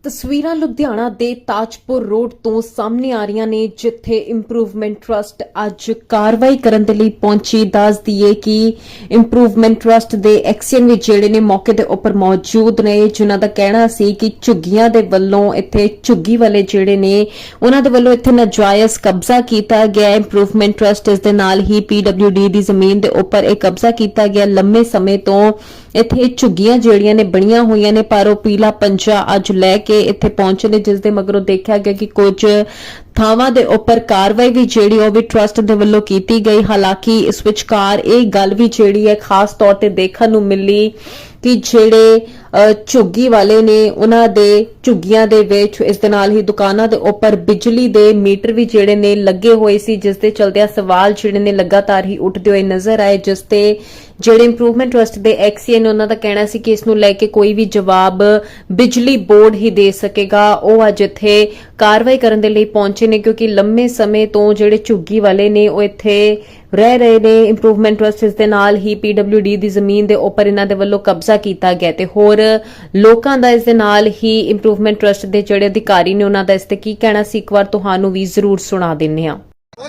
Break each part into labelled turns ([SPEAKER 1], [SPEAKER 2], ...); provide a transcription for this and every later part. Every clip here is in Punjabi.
[SPEAKER 1] ਤਸਵੀਰਾਂ ਲੁਧਿਆਣਾ ਦੇ ਤਾਜਪੁਰ ਰੋਡ ਤੋਂ ਸਾਹਮਣੇ ਆ ਰਹੀਆਂ ਨੇ, ਜਿੱਥੇ ਇੰਪਰੂਵਮੈਂਟ ਟਰਸਟ ਅੱਜ ਕਾਰਵਾਈ ਕਰਨ ਦੇ ਲਈ ਪਹੁੰਚੀ। ਦੱਸ ਦਈਏ ਕਿ ਇੰਪਰੂਵਮੈਂਟ ਟਰਸਟ ਦੇ ਐਕਸੀਅਨ ਵਿੱਚ ਜਿਹੜੇ ਨੇ ਮੌਕੇ ਦੇ ਉੱਪਰ ਮੌਜੂਦ ਨੇ, ਜਿਨ੍ਹਾਂ ਦਾ ਕਹਿਣਾ ਸੀ ਕਿ ਝੁੱਗੀਆਂ ਦੇ ਵੱਲੋਂ ਇੱਥੇ ਝੁੱਗੀ ਵਾਲੇ ਜਿਹੜੇ ਨੇ ਉਹਨਾਂ ਦੇ ਵੱਲੋਂ ਇੱਥੇ ਨਾਜਾਇਜ਼ ਕਬਜ਼ਾ ਕੀਤਾ ਗਿਆ। ਇੰਪਰੂਵਮੈਂਟ ਟਰਸਟ ਇਸ ਦੇ ਨਾਲ ਹੀ PWD ਦੀ ਜ਼ਮੀਨ ਦੇ ਉੱਪਰ ਇਹ ਕਬਜ਼ਾ ਕੀਤਾ ਗਿਆ। ਲੰਮੇ ਸਮੇਂ ਤੋਂ ਇੱਥੇ ਝੁੱਗੀਆਂ ਜਿਹੜੀਆਂ ਨੇ ਬਣੀਆਂ ਹੋਈਆਂ ਨੇ, ਪਰ ਉਹ ਪੀਲਾ ਪੰਜਾ ਅੱਜ ਲੈ ਕੇ ਇੱਥੇ ਪਹੁੰਚੇ ਨੇ, ਜਿਸ ਦੇ ਮਗਰੋਂ ਦੇਖਿਆ ਗਿਆ ਕਿ ਕੁਝ ਥਾਵਾਂ ਦੇ ਉੱਪਰ ਕਾਰਵਾਈ ਵੀ ਜਿਹੜੀ ਉਹ ਵੀ ਟਰਸਟ ਦੇ ਵੱਲੋਂ ਕੀਤੀ ਗਈ। ਹਾਲਾਂਕਿ ਇਸ ਵਿਚਕਾਰ ਇਹ ਗੱਲ ਵੀ ਜਿਹੜੀ ਹੈ ਖਾਸ ਤੌਰ ਤੇ ਦੇਖਣ ਨੂੰ ਮਿਲੀ ਕਿ ਜਿਹੜੇ ਝੁੱਗੀ ਵਾਲੇ ਨੇ ਉਹਨਾਂ ਦੇ ਝੁੱਗੀਆਂ ਦੇ ਵਿੱਚ ਇਸ ਦੇ ਨਾਲ ਹੀ ਦੁਕਾਨਾਂ ਦੇ ਉੱਪਰ ਬਿਜਲੀ ਦੇ ਮੀਟਰ ਵੀ ਜਿਹੜੇ ਨੇ ਲੱਗੇ ਹੋਏ ਸੀ, ਜਿਸ ਦੇ ਚਲਦਿਆਂ ਸਵਾਲ ਜਿਹੜੇ ਨੇ ਲਗਾਤਾਰ ਹੀ ਉੱਠਦੇ ਹੋਏ ਨਜ਼ਰ ਆਏ, ਜਿਸ ਤੇ ਜਿਹੜੇ ਇੰਪਰੂਵਮੈਂਟ ਟਰਸਟ ਦੇ ਐਕਸੀਅਨ ਉਹਨਾਂ ਦਾ ਕਹਿਣਾ ਸੀ ਕਿ ਇਸ ਨੂੰ ਲੈ ਕੇ ਕੋਈ ਵੀ ਜਵਾਬ ਬਿਜਲੀ ਬੋਰਡ ਹੀ ਦੇ ਸਕੇਗਾ। ਉਹ ਅੱਜ ਇੱਥੇ ਕਾਰਵਾਈ ਕਰਨ ਦੇ ਲਈ ਪਹੁੰਚੇ ਨੇ, ਕਿਉਂਕਿ ਲੰਮੇ ਸਮੇਂ ਤੋਂ ਜਿਹੜੇ ਝੁੱਗੀ ਵਾਲੇ ਨੇ ਉਹ ਇੱਥੇ ਰਹਿ ਰਹੇ ਨੇ। ਇੰਪਰੂਵਮੈਂਟ ਟਰਸਟ ਇਸ ਦੇ ਨਾਲ ਹੀ PWD ਦੀ ਜ਼ਮੀਨ ਦੇ ਉੱਪਰ ਇਹਨਾਂ ਦੇ ਵੱਲੋਂ ਕਬਜ਼ਾ ਕੀਤਾ ਗਿਆ ਤੇ ਹੋਰ ਲੋਕਾਂ ਦਾ ਇਸ ਦੇ ਨਾਲ ਹੀ ਇੰਪਰੂਵਮੈਂਟ ਟਰਸਟ ਦੇ ਜਿਹੜੇ ਅਧਿਕਾਰੀ ਨੇ ਉਹਨਾਂ ਦਾ ਇਸ ਤੇ ਕੀ ਕਹਿਣਾ ਸੀ, ਇੱਕ ਵਾਰ ਤੁਹਾਨੂੰ ਵੀ ਜ਼ਰੂਰ ਸੁਣਾ ਦਿੰਨੇ ਆ।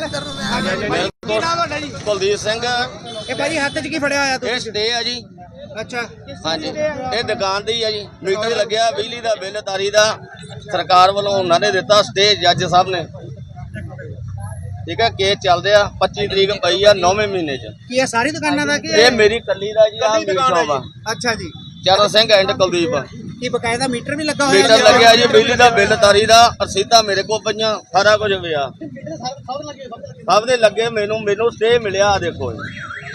[SPEAKER 2] ਕੁਲਦੀਪ ਸਿੰਘ
[SPEAKER 3] ਇਹ ਭਾਜੀ ਹੱਥ 'ਚ ਕੀ ਫੜਿਆ ਹੋਇਆ
[SPEAKER 2] ਇਹ ਸਟੇ ਆ ਜੀ।
[SPEAKER 3] ਅੱਛਾ
[SPEAKER 2] ਹਾਂਜੀ, ਇਹ ਦੁਕਾਨ ਦੀ ਆ ਜੀ। ਮੀਟਰ ਲੱਗਿਆ, ਬਿਜਲੀ ਦਾ ਬਿੱਲ ਤਾਰੀ ਦਾ ਸਰਕਾਰ ਵੱਲੋਂ ਉਹਨਾਂ ਨੇ ਦਿੱਤਾ ਸਟੇ, ਜੱਜ ਸਾਹਿਬ ਨੇ। ਠੀਕ ਹੈ, ਕੇਸ ਚੱਲਦੇ ਆ। 25 ਤਰੀਕ ਪਈ ਆ 9ਵੇਂ ਮਹੀਨੇ ਚ।
[SPEAKER 3] ਕੀ ਇਹ ਸਾਰੀ ਦੁਕਾਨਾਂ ਦਾ ਕੀ
[SPEAKER 2] ਇਹ ਮੇਰੀ ਕੱਲੀ ਦਾ ਜੀ। ਆ ਮੀਟ ਸ਼ੌਪ ਆ।
[SPEAKER 3] ਅੱਛਾ ਜੀ,
[SPEAKER 2] ਚਰਨ ਸਿੰਘ ਐਂਡ ਕੁਲਦੀਪ।
[SPEAKER 3] ਕੀ ਬਕਾਇਦਾ ਮੀਟਰ ਵੀ ਲੱਗਾ ਹੋਇਆ?
[SPEAKER 2] ਮੀਟਰ ਲੱਗਿਆ ਜੀ, ਬਿਜਲੀ ਦਾ ਬਿੱਲ ਤਾਰੀ ਦਾ, ਰਸੀਦਾਂ ਮੇਰੇ ਕੋਲ ਪਈਆਂ, ਸਾਰਾ ਕੁਝ ਪਿਆ। ਸਭ ਦੇ ਲੱਗੇ। ਮੈਨੂੰ ਸਟੇ ਮਿਲਿਆ। ਆ ਦੇਖੋ ਜੀ,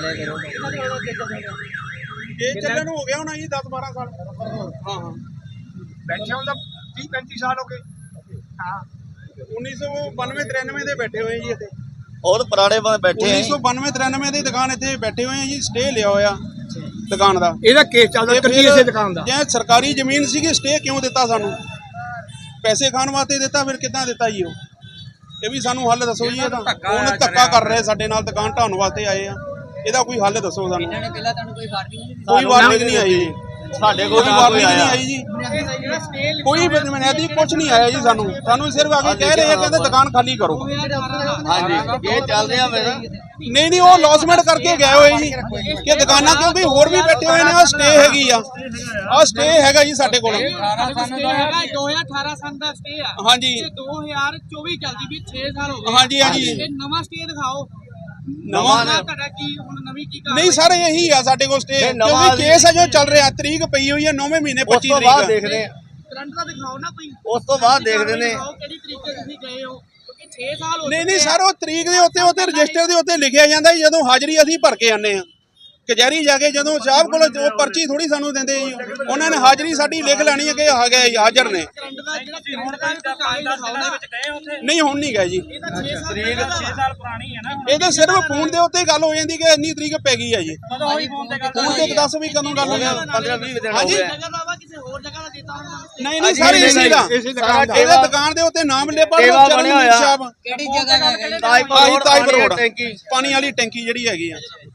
[SPEAKER 4] ਇਹ ਚੱਲਣ ਨੂੰ ਹੋ ਗਿਆ ਹੋਣਾ ਜੀ 10-12 ਸਾਲ। ਹਾਂ ਬੈਠੇ ਹੁੰਦਾ 30-35 ਸਾਲ ਹੋ ਗਏ। ਹਾਂ 1992-93 ਦੇ ਬੈਠੇ ਹੋਏ ਜੀ ਇੱਥੇ।
[SPEAKER 2] ਬਹੁਤ ਪੁਰਾਣੇ ਬੈਠੇ ਆ।
[SPEAKER 4] 1992-93 ਦੀ ਦੁਕਾਨ ਇੱਥੇ ਬੈਠੇ ਹੋਏ ਆ ਜੀ। ਸਟੇ ਲਿਆ ਹੋਇਆ ਦੁਕਾਨ ਦਾ।
[SPEAKER 3] ਇਹਦਾ ਕੇਸ ਚੱਲਦਾ ਕੱਚੀ ਇਸੇ ਦੁਕਾਨ ਦਾ।
[SPEAKER 4] ਜੇ ਸਰਕਾਰੀ ਜ਼ਮੀਨ ਸੀਗੀ, ਸਟੇ ਕਿਉਂ ਦਿੱਤਾ ਸਾਨੂੰ? ਪੈਸੇ ਖਾਣ ਵਾਸਤੇ ਦਿੱਤਾ, ਫਿਰ ਕਿੱਦਾਂ ਦਿੱਤਾ ਜੀ ਉਹ? ਇਹ ਵੀ ਸਾਨੂੰ ਹੱਲ ਦੱਸੋ ਜੀ। ਇਹਦਾ ਹੁਣ ਧੱਕਾ ਕਰ ਰਹੇ ਸਾਡੇ ਨਾਲ, ਦੁਕਾਨ ਢਾਉਣ ਵਾਸਤੇ ਆਏ ਆ। ਇਹਦਾ ਕੋਈ ਹੱਲ ਦੱਸੋ ਸਾਨੂੰ। ਕੋਈ ਵਾਰਨਿੰਗ ਨਹੀਂ ਆਈ ਜੀ ਸਾਡੇ ਕੋਲ। ਕੋਈ ਵਾਰਨਿੰਗ ਨਹੀਂ ਆਈ ਜੀ। ਕੋਈ ਬੁਨਿਆਦੀ ਕੁਝ ਨਹੀਂ ਆਇਆ ਜੀ ਸਾਨੂੰ ਸਿਰਫ ਆ ਕੇ ਕਹਿ ਰਹੇ ਆ, ਕਹਿੰਦੇ ਦੁਕਾਨ ਖਾਲੀ ਕਰੋ।
[SPEAKER 2] ਹਾਂਜੀ, ਇਹ ਚੱਲਦੇ ਆ ਮੇਰੇ।
[SPEAKER 4] ਨਹੀਂ ਉਹ ਲੌਸਮੈਂਟ ਕਰਕੇ ਗਏ ਹੋਏ ਜੀ ਕਿ ਦੁਕਾਨਾਂ, ਕਿਉਂਕਿ ਹੋਰ ਵੀ ਬੈਠੇ ਹੋਏ ਨੇ। ਆ ਸਟੇ ਹੈਗੀ ਆ, ਆ ਸਟੇ ਹੈਗਾ ਜੀ ਸਾਡੇ ਕੋਲ।
[SPEAKER 5] 2018 ਸੰਨ ਦਾ ਸਟੇ ਆ।
[SPEAKER 4] ਹਾਂਜੀ
[SPEAKER 5] 2024 ਚੱਲਦੀ ਵੀ 6 ਸਾਲ ਹੋ ਗਏ।
[SPEAKER 4] ਹਾਂਜੀ
[SPEAKER 5] ਇਹ ਨਵਾਂ ਸਟੇ ਦਿਖਾਓ।
[SPEAKER 4] ਨਵਾਂ
[SPEAKER 5] ਤੁਹਾਡਾ ਕੀ ਹੁਣ ਨਵੀਂ ਕੀ ਕਰ?
[SPEAKER 4] ਨਹੀਂ ਸਰ, ਇਹੀ ਆ ਸਾਡੇ ਕੋਲ ਸਟੇ, ਕਿਉਂਕਿ ਕੇਸ ਹੈ ਜੋ ਚੱਲ ਰਿਹਾ। ਤਰੀਕ ਪਈ ਹੋਈ ਹੈ 9ਵੇਂ ਮਹੀਨੇ 25 ਤਰੀਕ।
[SPEAKER 2] ਦੇਖਦੇ ਆ,
[SPEAKER 5] ਕਰੰਟ ਦਾ ਦਿਖਾਓ ਨਾ ਕੋਈ।
[SPEAKER 2] ਉਸ ਤੋਂ ਬਾਅਦ ਦੇਖਦੇ ਨੇ
[SPEAKER 5] ਕਿਹੜੀ ਤਰੀਕ ਤੇ ਤੁਸੀਂ ਗਏ ਹੋ, ਕਿਉਂਕਿ 6 ਸਾਲ ਹੋ ਗਏ।
[SPEAKER 4] ਨਹੀਂ ਸਰ, ਉਹ ਤਰੀਕ ਦੇ ਉੱਤੇ ਰਜਿਸਟਰ ਦੇ ਉੱਤੇ ਲਿਖਿਆ ਜਾਂਦਾ ਜੀ। ਜਦੋਂ ਹਾਜ਼ਰੀ ਅਸੀਂ ਭਰ ਕੇ ਆਨੇ ਆ ਕਚਹਿਰੀ ਜਾ ਕੇ, ਜਦੋਂ ਸਾਹਿਬ ਕੋਲ ਉਹ ਪਰਚੀ ਥੋੜੀ ਸਾਨੂੰ ਦਿੰਦੇ ਜੀ। ਉਹਨਾਂ ਨੇ ਹਾਜ਼ਰੀ ਸਾਡੀ ਲਿਖ ਲੈਣੀ ਹੈ ਕਿ ਆ ਗਏ ਜੀ, ਹਾਜ਼ਰ ਨੇ।
[SPEAKER 5] ਕਰੰਟ ਦਾ ਜਿਹੜਾ ਫੋਨ ਦਾ ਕਾਗਜ਼ ਦਿਖਾਓ ਨਾ।
[SPEAKER 4] ਨਹੀਂ ਹੁਣ ਨਹੀਂ ਗਏ ਜੀ।
[SPEAKER 5] ਤਰੀਕ 6 ਸਾਲ ਪੁਰਾਣੀ ਹੈ ਨਾ।
[SPEAKER 4] ਇਹ ਤਾਂ ਸਿਰਫ ਫੋਨ ਦੇ ਉੱਤੇ ਗੱਲ ਹੋ ਜਾਂਦੀ ਕਿ ਇੰਨੀ ਤਰੀਕ ਪੈ ਗਈ ਹੈ ਜੀ।
[SPEAKER 5] ਕਦੋਂ ਹੋਈ ਫੋਨ ਤੇ ਗੱਲ?
[SPEAKER 4] ਫੋਨ ਤੇ ਦੱਸ ਵੀ ਕਦੋਂ ਗੱਲ ਹੋਈ?
[SPEAKER 2] 15-20 ਦਿਨ ਹੋ
[SPEAKER 4] ਹਾਂਜੀ।
[SPEAKER 2] ਗਏ।
[SPEAKER 5] ਜਗ੍ਹਾ ਦਾ ਵਾ ਕਿਸੇ ਹੋਰ ਜਗ੍ਹਾ ਦਾ ਦਿੱਤਾ ਹੋਣਾ।
[SPEAKER 4] ਨਹੀਂ ਸਰ, ਇਸੇ ਦਾ ਇਹਦੇ ਦੁਕਾਨ ਦੇ ਉੱਤੇ ਨਾਮ ਲਿਖਿਆ
[SPEAKER 2] ਬਣਿਆ ਹੋਇਆ।
[SPEAKER 5] ਕਿਹੜੀ ਜਗ੍ਹਾ ਹੈ?
[SPEAKER 4] ਤਾਜਪੁਰ ਰੋਡ,
[SPEAKER 2] ਟੈਂਕੀ,
[SPEAKER 4] ਪਾਣੀ ਵਾਲੀ ਟੈਂਕੀ ਜਿਹੜੀ ਹੈਗੀ ਆ।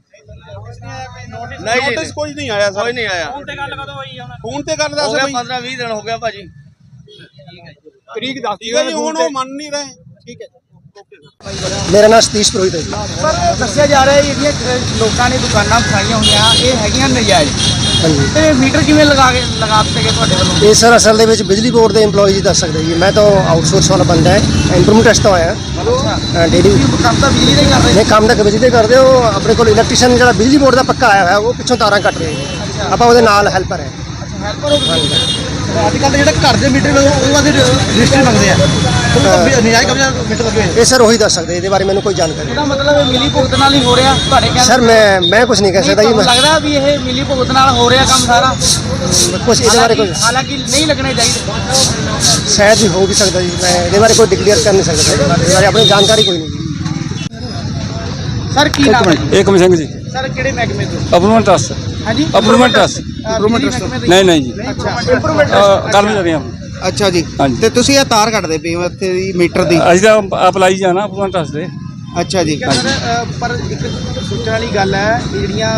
[SPEAKER 2] ਨਹੀਂ ਜੀ,
[SPEAKER 4] ਨੋਟਿਸ ਕੋਈ ਨਹੀਂ ਆਇਆ ਸਰ।
[SPEAKER 2] ਕੋਈ ਨਹੀਂ ਆਇਆ।
[SPEAKER 5] ਫੋਨ ਤੇ ਗੱਲ ਕਦੋਂ ਹੋਈ ਹੁਣ?
[SPEAKER 4] ਫੋਨ ਤੇ ਗੱਲ ਦੱਸ
[SPEAKER 2] ਹੋ ਗਿਆ
[SPEAKER 4] ਬਈ।
[SPEAKER 2] 15-20 ਦਿਨ ਹੋ ਗਿਆ ਭਾਜੀ।
[SPEAKER 4] ਤਰੀਕ ਦੱਸਦੀ ਹੈ ਜੀ, ਹੁਣ ਉਹ ਮੰਨ ਨਹੀਂ ਰਹੇ। ਠੀਕ ਹੈ।
[SPEAKER 6] ਮੇਰਾ ਨਾਮ ਸਤੀਸ਼ ਪ੍ਰੋਹਿਤ ਹੈ ਜੀ।
[SPEAKER 3] ਪਰ ਦੱਸਿਆ ਜਾ ਰਿਹਾ ਹੈ ਜਿਹੜੀਆਂ ਲੋਕਾਂ ਨੇ ਦੁਕਾਨਾਂ ਬਣਾਈਆਂ ਹੋਈਆਂ ਇਹ ਹੈਗੀਆਂ ਨਜਾਇਜ਼।
[SPEAKER 6] ਹਾਂਜੀ,
[SPEAKER 3] ਤੇ ਮੀਟਰ ਕਿਵੇਂ ਲਗਾ ਦਿੱਤੇ ਗਏ ਤੁਹਾਡੇ ਵੱਲੋਂ?
[SPEAKER 6] ਇਹ ਸਰ ਅਸਲ ਦੇ ਵਿੱਚ ਬਿਜਲੀ ਬੋਰਡ ਦੇ EMPLOYEE ਜੀ ਦੱਸ ਸਕਦੇ ਜੀ। ਮੈਂ ਤਾਂ ਆਊਟਸੋਰਸ ਵਾਲਾ ਬੰਦਾ ਹੈ, ਇੰਪਰੂਵਮੈਂਟ ਟੈਸਟ ਤੋਂ ਆਇਆ ਡੇਲੀ।
[SPEAKER 3] ਕੰਮ ਤਾਂ ਬਿਜਲੀ ਦਾ ਹੀ ਕਰ ਰਹੇ।
[SPEAKER 6] ਨਹੀਂ, ਕੰਮ ਤਾਂ ਬਿਜਲੀ ਦੇ ਕਰਦੇ ਹੋ। ਆਪਣੇ ਕੋਲ ਇਲੈਕਟ੍ਰੀਸ਼ੀਅਨ ਜਿਹੜਾ ਬਿਜਲੀ ਬੋਰਡ ਦਾ ਪੱਕਾ ਆਇਆ ਹੋਇਆ, ਉਹ ਪਿੱਛੋਂ ਤਾਰਾਂ ਕੱਟ ਰਿਹਾ ਜੀ। ਆਪਾਂ ਉਹਦੇ ਨਾਲ ਹੈਲਪਰ ਹੈ।
[SPEAKER 3] ਹੈਲਪਰ ਹੋ ਗਏ। ਅੱਜ ਕੱਲ੍ਹ ਜਿਹੜੇ ਘਰ ਦੇ ਮੀਟਰ ਉਹ ਵਾਦੇ ਰਜਿਸਟਰ ਮੰਗਦੇ ਆ। ਨਜਾਇਜ਼ ਕਬਜ਼ਾ ਮੀਟਰ ਲੱਗੇ ਹੋਏ।
[SPEAKER 6] ਇਹ ਸਰ ਉਹੀ ਦੱਸ ਸਕਦੇ, ਇਹਦੇ ਬਾਰੇ ਮੈਨੂੰ ਕੋਈ ਜਾਣਕਾਰੀ
[SPEAKER 3] ਇਹਦਾ ਮਤਲਬ ਇਹ ਮਿਲੀ ਭੁਗਤ ਨਾਲ ਹੀ ਹੋ ਰਿਹਾ ਤੁਹਾਡੇ ਕਹਿਣ?
[SPEAKER 6] ਸਰ ਮੈਂ ਕੁਝ ਨਹੀਂ ਕਹਿ ਸਕਦਾ ਜੀ।
[SPEAKER 3] ਲੱਗਦਾ ਵੀ ਇਹ ਮਿਲੀ ਭੁਗਤ ਨਾਲ ਹੋ ਰਿਹਾ ਕੰਮ ਸਾਰਾ
[SPEAKER 6] ਕੁਝ ਇਹਦੇ ਬਾਰੇ ਕੋਈ
[SPEAKER 3] ਹਾਲਾਂਕਿ ਨਹੀਂ ਲੱਗਣੇ ਚਾਹੀਦੇ।
[SPEAKER 6] ਸ਼ਾਇਦ ਵੀ ਹੋ ਵੀ ਸਕਦਾ ਜੀ। ਮੈਂ ਇਹਦੇ ਬਾਰੇ ਕੋਈ ਡਿਕਲੇਅਰ ਕਰ ਨਹੀਂ ਸਕਦਾ। ਇਹਦੇ ਬਾਰੇ ਆਪਣੀ ਜਾਣਕਾਰੀ ਕੋਈ ਨਹੀਂ ਜੀ।
[SPEAKER 3] ਸਰ ਕੀ ਨਾਮ ਹੈ?
[SPEAKER 7] ਏਕਮ ਸਿੰਘ ਜੀ।
[SPEAKER 3] ਸਰ ਕਿਹੜੇ ਮਹਿਕਮੇ ਤੋਂ?
[SPEAKER 7] Improvement trust.
[SPEAKER 3] ਹਾਂਜੀ,
[SPEAKER 7] ਅਪਰੂਵਮੈਂਟ ਟਰਸਟ। ਨਹੀਂ ਜੀ, ਕਰਮਚਾਰੀ ਹਾਂ।
[SPEAKER 3] ਅੱਛਾ ਜੀ।
[SPEAKER 7] ਹਾਂਜੀ।
[SPEAKER 3] ਤੇ ਤੁਸੀਂ ਇਹ ਤਾਰ ਕੱਟਦੇ ਪਏ ਹੋ ਇੱਥੇ ਦੀ ਮੀਟਰ ਦੀ?
[SPEAKER 7] ਅਸੀਂ ਤਾਂ ਅਪਲਾਈ ਜਾਣਾ ਅਪਰੂਵਮੈਂਟ ਟਰਸਟ ਦੇ।
[SPEAKER 3] ਅੱਛਾ ਜੀ। ਪਰ ਇੱਕ ਸੋਚਣ ਵਾਲੀ ਗੱਲ ਹੈ, ਜਿਹੜੀਆਂ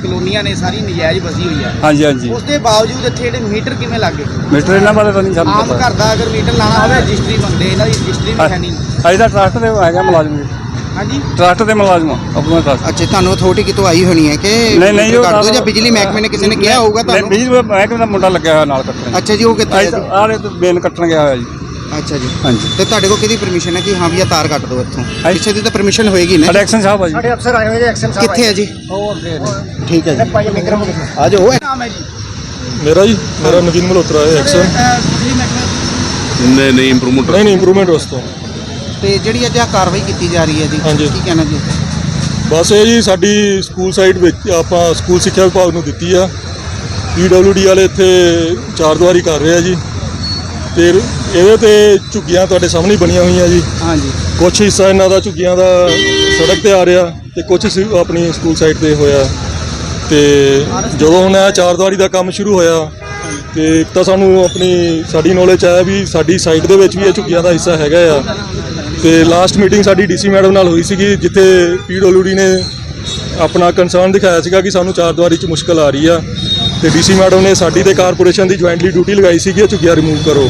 [SPEAKER 3] ਕਲੋਨੀਆਂ ਨੇ ਸਾਰੀ ਨਜਾਇਜ਼ ਵਸੀ ਹੋਈ ਹੈ
[SPEAKER 7] ਹਾਂਜੀ ਹਾਂਜੀ
[SPEAKER 3] ਉਸ ਦੇ ਬਾਵਜੂਦ ਇੱਥੇ ਜਿਹੜੇ ਮੀਟਰ ਕਿਵੇਂ ਲੱਗੇ
[SPEAKER 7] ਮਿਸਟਰ ਇਹਨਾਂ ਬਾਰੇ ਤਾਂ ਨਹੀਂ ਸਾਨੂੰ
[SPEAKER 3] ਆਮ
[SPEAKER 7] ਪਤਾ
[SPEAKER 3] ਘਰ ਦਾ ਅਗਰ ਮੀਟਰ ਲਾਣਾ ਹੋਵੇ ਰਜਿਸਟਰੀ ਮੰਗਦੇ ਇਹਨਾਂ ਦੀ ਰਜਿਸਟਰੀ ਵੀ ਹੈ ਨਹੀਂ
[SPEAKER 7] ਅਸੀਂ ਤਾਂ ਟਰਸਟ ਦੇ ਹੈਗਾ ਮੁਲਾਜ਼ਮ ਜੀ
[SPEAKER 3] ਹਾਂਜੀ
[SPEAKER 7] ਟਰਸਟ ਦੇ ਮੁਲਾਜ਼ਮ ਆਪਣਾ ਟਰਸਟ
[SPEAKER 3] ਅੱਛਾ ਤੁਹਾਨੂੰ ਅਥਾਰਟੀ ਕਿਤੋਂ ਆਈ ਹੋਣੀ ਹੈ ਕਿ
[SPEAKER 7] ਨਹੀਂ, ਨਹੀਂ, ਉਹ
[SPEAKER 3] ਕਰ ਦਿਓ ਜਾਂ ਬਿਜਲੀ ਮਹਿਕਮੇ ਨੇ ਕਿਸੇ ਨੇ ਕਿਹਾ ਹੋਊਗਾ
[SPEAKER 7] ਨਹੀਂ
[SPEAKER 3] ਤੁਹਾਨੂੰ
[SPEAKER 7] ਬਿਜਲੀ ਮਹਿਕਮੇ ਦਾ ਮੁੰਡਾ ਲੱਗਿਆ ਹੋਇਆ ਨਾਲ ਕੱਟਣ
[SPEAKER 3] ਅੱਛਾ ਜੀ ਉਹ ਕਿੱਥੇ ਹੈ ਜੀ?
[SPEAKER 7] ਆਲੇ ਤੇ ਬੇਨ ਕੱਟਣ ਗਿਆ ਹੋਇਆ ਜੀ
[SPEAKER 3] ਅੱਛਾ ਜੀ
[SPEAKER 7] ਹਾਂਜੀ
[SPEAKER 3] ਤੇ ਤੁਹਾਡੇ ਕੋਲ ਕਿਹਦੀ ਪਰਮਿਸ਼ਨ ਹੈ ਕਿ ਹਾਂ ਵੀ ਇਹ ਤਾਰ ਕੱਟ ਦਿਓ ਇੱਥੋਂ
[SPEAKER 7] ਹਾਂਜੀ।
[SPEAKER 3] ਪਿੱਛੇ ਦੀ ਤਾਂ ਪਰਮਿਸ਼ਨ ਹੋਏਗੀ ਨਾ
[SPEAKER 7] ਇਲੈਕਸ਼ਨ ਸਾਹਿਬ ਆ ਜੀ
[SPEAKER 6] ਸਾਡੇ ਅਫਸਰ ਆਏ ਹੋਏ ਜੀ ਐਕਸ਼ਨ ਸਾਹਿਬ
[SPEAKER 3] ਕਿੱਥੇ ਹੈ ਜੀ
[SPEAKER 6] ਉਹ ਅੱਗੇ
[SPEAKER 3] ਠੀਕ ਹੈ ਜੀ
[SPEAKER 6] ਭਾਈ ਵਿਕਰਮ
[SPEAKER 3] ਆ ਜਾਓ ਨਾਮ ਹੈ ਜੀ
[SPEAKER 8] ਮੇਰਾ ਜੀ ਮੇਰਾ ਨਵੀਨ ਮਲਹੋਤਰਾ ਹੈ ਐਕਸ਼ਨ
[SPEAKER 3] ਬਿਜਲੀ ਮਹਿਕਮੇ
[SPEAKER 9] ਨਹੀਂ ਇੰਪਰੂਵਮੈਂਟ
[SPEAKER 8] ਨਹੀਂ ਇੰਪਰੂਵਮੈਂਟ ਵਾਸਤੇ
[SPEAKER 3] ਤੇ ਜਿਹੜੀ ਅੱਜ ਆ ਕਾਰਵਾਈ ਕੀਤੀ ਜਾ ਰਹੀ ਹੈ ਜੀ
[SPEAKER 8] ਹਾਂਜੀ।
[SPEAKER 3] ਕੀ ਕਹਿਣਾ ਜੀ
[SPEAKER 8] ਬਸ ਇਹ ਜੀ ਸਾਡੀ ਸਕੂਲ ਸਾਈਡ ਵਿੱਚ ਆਪਾਂ ਸਕੂਲ ਸਿੱਖਿਆ ਵਿਭਾਗ ਨੂੰ ਦਿੱਤੀ ਆ PWD ਵਾਲੇ ਇੱਥੇ ਚਾਰਦੀਵਾਰੀ ਕਰ ਰਹੇ ਆ ਜੀ ਤੇ ਇਹਦੇ ਤੇ ਝੁੱਗੀਆਂ ਤੁਹਾਡੇ ਸਾਹਮਣੇ ਹੀ ਬਣੀਆਂ ਹੋਈਆਂ ਜੀ
[SPEAKER 3] ਹਾਂਜੀ
[SPEAKER 8] ਕੁਛ ਹਿੱਸਾ ਇਹਨਾਂ ਦਾ ਝੁੱਗੀਆਂ ਦਾ ਸੜਕ ਤੇ ਆ ਰਿਹਾ ਤੇ ਕੁਛ ਆਪਣੀ ਸਕੂਲ ਸਾਈਡ ਤੇ ਹੋਇਆ ਤੇ ਜਦੋਂ ਹੁਣ ਇਹ ਚਾਰਦੀਵਾਰੀ ਦਾ ਕੰਮ ਸ਼ੁਰੂ ਹੋਇਆ ਤੇ ਇੱਕ ਤਾਂ ਸਾਨੂੰ ਸਾਡੀ ਨੌਲੇਜ ਆਇਆ ਵੀ ਸਾਡੀ ਸਾਈਡ ਦੇ ਵਿੱਚ ਵੀ ਇਹ ਝੁੱਗੀਆਂ ਦਾ ਹਿੱਸਾ ਹੈਗਾ ਆ ਤੇ ਲਾਸਟ ਮੀਟਿੰਗ ਸਾਡੀ DC ਮੈਡਮ ਨਾਲ ਹੋਈ ਸੀਗੀ ਜਿੱਥੇ PWD ਨੇ ਆਪਣਾ ਕੰਸਰਨ ਦਿਖਾਇਆ ਸੀਗਾ ਕਿ ਸਾਨੂੰ ਚਾਰਦੀਵਾਰੀ 'ਚ ਮੁਸ਼ਕਲ ਆ ਰਹੀ ਆ ਤੇ DC ਮੈਡਮ ਨੇ ਸਾਡੀ ਤੇ ਕਾਰਪੋਰੇਸ਼ਨ ਦੀ ਜੁਆਇੰਟਲੀ ਡਿਊਟੀ ਲਗਾਈ ਸੀਗੀ ਇਹ ਝੁੱਗੀਆਂ ਰਿਮੂਵ ਕਰੋ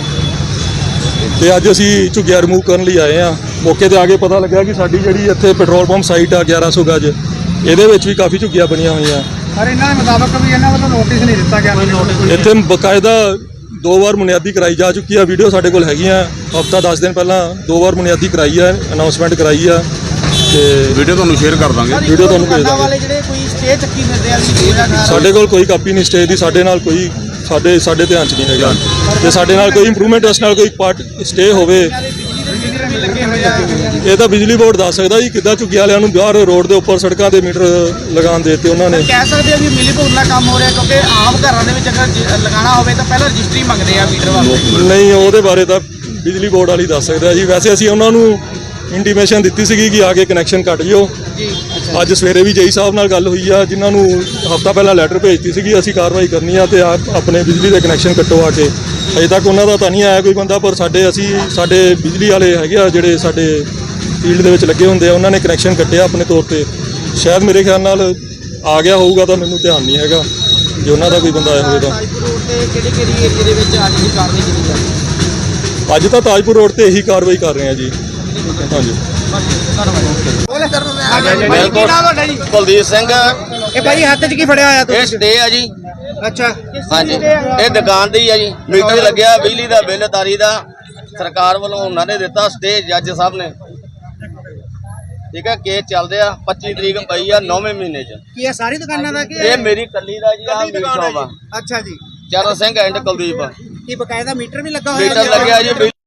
[SPEAKER 8] ਤੇ ਅੱਜ ਅਸੀਂ ਝੁੱਗੀਆਂ ਰਿਮੂਵ ਕਰਨ ਲਈ ਆਏ ਆ ਮੌਕੇ ਤੇ ਆ ਕੇ ਪਤਾ ਲੱਗਾ ਕਿ ਸਾਡੀ ਜਿਹੜੀ ਇੱਥੇ ਪੈਟਰੋਲ ਪੰਪ ਸਾਈਟ ਆ 1100 ਗਜ ਇਹਦੇ ਵਿੱਚ ਵੀ ਕਾਫੀ ਝੁੱਗੀਆਂ ਬਣੀਆਂ ਹੋਈਆਂ
[SPEAKER 3] ਪਰ ਇਹਨਾਂ ਦੇ ਮੁਤਾਬਕ ਵੀ ਇਹਨਾਂ ਵੱਲੋਂ ਨੋਟਿਸ ਨਹੀਂ ਦਿੱਤਾ ਗਿਆ
[SPEAKER 8] ਇੱਥੇ ਬਕਾਇਦਾ 2 ਵਾਰ ਬੁਨਿਆਦੀ ਕਰਾਈ ਜਾ ਚੁੱਕੀ ਆ ਵੀਡੀਓ ਸਾਡੇ ਕੋਲ ਹੈਗੀਆਂ ਹਫਤਾ 10 ਦਿਨ ਪਹਿਲਾਂ 2 ਵਾਰ ਬੁਨਿਆਦੀ ਕਰਾਈ ਆ ਅਨਾਉਂਸਮੈਂਟ ਕਰਾਈ ਆ ਤੇ
[SPEAKER 9] ਵੀਡੀਓ ਤੁਹਾਨੂੰ ਸ਼ੇਅਰ ਕਰ ਦਾਂਗੇ
[SPEAKER 8] ਵੀਡੀਓ ਤੁਹਾਨੂੰ ਭੇਜ ਦਾਂਗੇ
[SPEAKER 3] ਵਾਲੇ ਜਿਹੜੇ ਕੋਈ ਸਟੇ ਚੱਕੀ ਫਿਰਦੇ ਆ ਵੀ
[SPEAKER 8] ਸਾਡੇ ਕੋਲ ਕੋਈ ਕਾਪੀ ਨਹੀਂ ਸਟੇ ਦੀ ਸਾਡੇ ਨਾਲ ਕੋਈ ਸਾਡੇ ਧਿਆਨ 'ਚ ਨਹੀਂ ਹੈਗਾ ਤੇ ਸਾਡੇ ਨਾਲ ਕੋਈ ਇੰਪਰੂਵਮੈਂਟ ਉਸ ਨਾਲ ਕੋਈ ਪਾਰਟ ਸਟੇ ਹੋਵੇ
[SPEAKER 3] ਵੀ ਲੱਗੇ ਹੋਏ ਆ
[SPEAKER 8] ਇਹ ਤਾਂ ਬਿਜਲੀ ਬੋਰਡ ਦੱਸ ਸਕਦਾ ਜੀ ਕਿੱਦਾਂ ਝੁੱਗੀ ਵਾਲਿਆਂ ਨੂੰ ਬਾਹਰ ਰੋਡ ਦੇ ਉੱਪਰ ਸੜਕਾਂ ਦੇ ਮੀਟਰ ਲਗਾਉਣ ਦੇ ਤੇ ਉਹਨਾਂ ਨੇ
[SPEAKER 3] ਕਹਿ ਸਕਦੇ ਆ ਵੀ ਮਿਲੀ ਭੁਗਤ ਨਾਲ ਕੰਮ ਹੋ ਰਿਹਾ ਕਿਉਂਕਿ ਆਮ ਘਰਾਂ ਦੇ ਵਿੱਚ ਅਗਰ ਲਗਾਉਣਾ ਹੋਵੇ ਤਾਂ ਪਹਿਲਾਂ ਰਜਿਸਟਰੀ ਮੰਗਦੇ ਆ ਮੀਟਰ ਵਾਸਤੇ
[SPEAKER 8] ਨਹੀਂ ਉਹਦੇ ਬਾਰੇ ਤਾਂ ਬਿਜਲੀ ਬੋਰਡ ਵਾਲੀ ਦੱਸ ਸਕਦਾ ਜੀ ਵੈਸੇ ਅਸੀਂ ਉਹਨਾਂ ਨੂੰ ਇੰਟੀਮੇਸ਼ਨ ਦਿੱਤੀ ਸੀਗੀ ਕਿ ਆ ਕੇ ਕਨੈਕਸ਼ਨ ਕੱਟ ਜਿਓ
[SPEAKER 3] ਜੀ
[SPEAKER 8] ਅੱਜ ਸਵੇਰੇ ਵੀ ਜੇਈ ਸਾਹਿਬ ਨਾਲ ਗੱਲ ਹੋਈ ਆ ਜਿਨ੍ਹਾਂ ਨੂੰ ਹਫਤਾ ਪਹਿਲਾਂ ਲੈਟਰ ਭੇਜਤੀ ਸੀਗੀ ਅਸੀਂ ਕਾਰਵਾਈ ਕਰਨੀ ਆ ਤੇ ਆਪਣੇ ਬਿਜਲੀ ਦੇ ਕਨੈਕਸ਼ਨ ਕੱਟੋ ਆ ਕੇ ਅਜੇ ਤੱਕ ਉਹਨਾਂ ਦਾ ਤਾਂ ਨਹੀਂ ਆਇਆ ਕੋਈ ਬੰਦਾ ਪਰ ਸਾਡੇ ਬਿਜਲੀ ਵਾਲੇ ਹੈਗੇ ਆ ਜਿਹੜੇ ਸਾਡੇ ਫੀਲਡ ਦੇ ਵਿੱਚ ਲੱਗੇ ਹੁੰਦੇ ਆ ਉਹਨਾਂ ਨੇ ਕਨੈਕਸ਼ਨ ਕੱਟਿਆ ਆਪਣੇ ਤੌਰ ਤੇ ਸ਼ਾਇਦ ਮੇਰੇ ਖਿਆਲ ਨਾਲ ਆ ਗਿਆ ਹੋਊਗਾ ਤਾਂ ਮੈਨੂੰ ਧਿਆਨ ਨਹੀਂ ਹੈਗਾ ਜੇ ਉਹਨਾਂ ਦਾ ਕੋਈ ਬੰਦਾ ਆਇਆ ਹੋਵੇ ਤਾਂ
[SPEAKER 3] ਤਾਜਪੁਰ ਰੋਡ ਤੇ ਕਿਹੜੀ ਏਰੀਆ ਦੇ ਵਿੱਚ ਅੱਜ ਦੀ ਕਾਰਵਾਈ ਕੀਤੀ ਜਾ ਰਹੀ ਹੈ
[SPEAKER 8] ਅੱਜ ਤਾਂ ਤਾਜਪੁਰ ਰੋਡ ਤੇ ਇਹੀ ਕਾਰਵਾਈ ਕਰ ਰਹੇ ਆ ਜੀ ਹਾਂਜੀ
[SPEAKER 2] ਬਿਲਕੁਲ ਕੁਲਦੀਪ ਸਿੰਘ
[SPEAKER 3] ਇਹ ਭਾਈ ਹੱਥ 'ਚ ਕੀ ਫੜਿਆ ਹੋਇਆ
[SPEAKER 2] ਇਹ ਸਟੇ ਆ ਜੀ
[SPEAKER 3] ਅੱਛਾ
[SPEAKER 2] ਹਾਂਜੀ ਇਹ ਦੁਕਾਨ ਦੀ ਆ ਜੀ ਮੀਟਰ ਲੱਗਿਆ ਬਿਜਲੀ ਦਾ ਬਿੱਲ ਤਾਰੀ ਦਾ ਸਰਕਾਰ ਵੱਲੋਂ ਉਹਨਾਂ ਨੇ ਦਿੱਤਾ ਸਟੇ ਜੱਜ ਸਾਹਿਬ ਨੇ ਠੀਕ ਹੈ ਕੇਸ ਚੱਲਦੇ ਆ 25 ਤਰੀਕ ਪਈ ਆ 9ਵੇਂ ਮਹੀਨੇ 'ਚ
[SPEAKER 3] ਕੀ ਇਹ ਸਾਰੀ ਦੁਕਾਨਾਂ ਦਾ ਕੀ
[SPEAKER 2] ਇਹ ਮੇਰੀ ਕੱਲੀ ਦਾ ਜੀ ਆ ਮੀਟ ਸ਼ੌਪ ਆ
[SPEAKER 3] ਅੱਛਾ ਜੀ
[SPEAKER 2] ਚਰਨ ਸਿੰਘ ਐਂਡ ਕੁਲਦੀਪ
[SPEAKER 3] ਕੀ ਬਕਾਇਦਾ ਮੀਟਰ ਵੀ ਲੱਗਾ ਹੋਇਆ
[SPEAKER 2] ਮੀਟਰ ਲੱਗਿਆ ਜੀ